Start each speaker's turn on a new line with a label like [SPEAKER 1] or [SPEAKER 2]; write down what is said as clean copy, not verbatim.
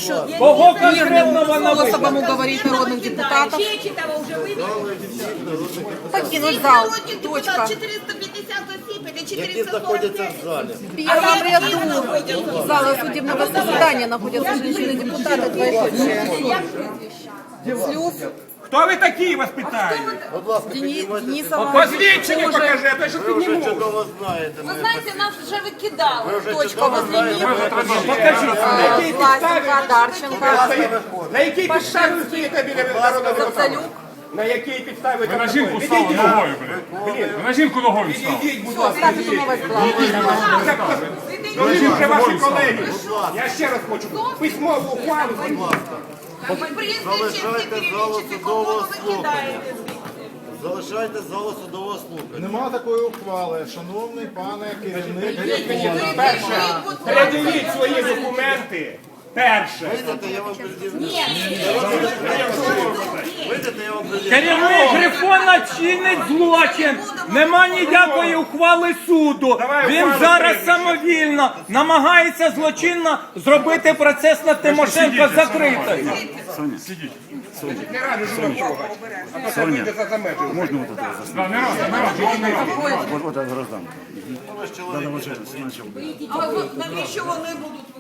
[SPEAKER 1] що
[SPEAKER 2] Кого конкретно вона
[SPEAKER 1] способом
[SPEAKER 2] вигнала?
[SPEAKER 1] уговорить народных депутатов
[SPEAKER 3] Чечетова уже вывели.
[SPEAKER 1] покинуть зал. Точка.
[SPEAKER 3] 450 осіб, это
[SPEAKER 4] Які знаходяться
[SPEAKER 3] 445.
[SPEAKER 4] в залі.
[SPEAKER 1] В первом ряду зала судебного заседания находятся женщины-депутаты, двоеточие. Слюс,
[SPEAKER 2] Хто ви такі, вас питаю?
[SPEAKER 4] Будь ласка, піднімайте.
[SPEAKER 1] Денисова,
[SPEAKER 2] Посвідчення покажи, а то що
[SPEAKER 4] Ви вже
[SPEAKER 2] підніму.
[SPEAKER 4] чудово знаєте.
[SPEAKER 3] Ви знаєте, нас вже викидали.
[SPEAKER 4] Ви вже
[SPEAKER 1] точка
[SPEAKER 4] чудово
[SPEAKER 1] возле
[SPEAKER 4] знаєте.
[SPEAKER 1] них.
[SPEAKER 2] Покажіть, на якій підставі
[SPEAKER 1] Власенко, Одарченко,
[SPEAKER 2] на якій підставі ви стоїте біля народного депутата?
[SPEAKER 1] Зацалюк.
[SPEAKER 2] На якій підставі ви
[SPEAKER 5] Ви на
[SPEAKER 2] так
[SPEAKER 5] жінку
[SPEAKER 2] робите?
[SPEAKER 5] стали
[SPEAKER 2] Відійдіть.
[SPEAKER 5] ногою, блін. Ви на жінку ногою стали.
[SPEAKER 2] Відійдіть, будь
[SPEAKER 1] Все,
[SPEAKER 2] ласка.
[SPEAKER 1] ставьте новость главу.
[SPEAKER 2] Ну, ви вже ваші колеги. Я ще раз хочу письмову ухвалу.
[SPEAKER 4] Залишайте залу судового слухання. Залишайте залу судового слухання.
[SPEAKER 6] Нема такої ухвали, шановний пане керівник.
[SPEAKER 2] Передивіть свої документи. Перше.
[SPEAKER 4] Вийдете, я вам пред'явлю. Вийдете, я вам пред'явлю.
[SPEAKER 2] Керівник Грифона чинить злочин. Нема ніякої ухвали суду. Він зараз самовільно намагається злочинно зробити процес над Тимошенко закритим.
[SPEAKER 5] Сидіть.
[SPEAKER 2] Не ради жінок. А то вийде за межі.
[SPEAKER 5] Можно вот это? Да, не раз.
[SPEAKER 4] А навіщо вони будуть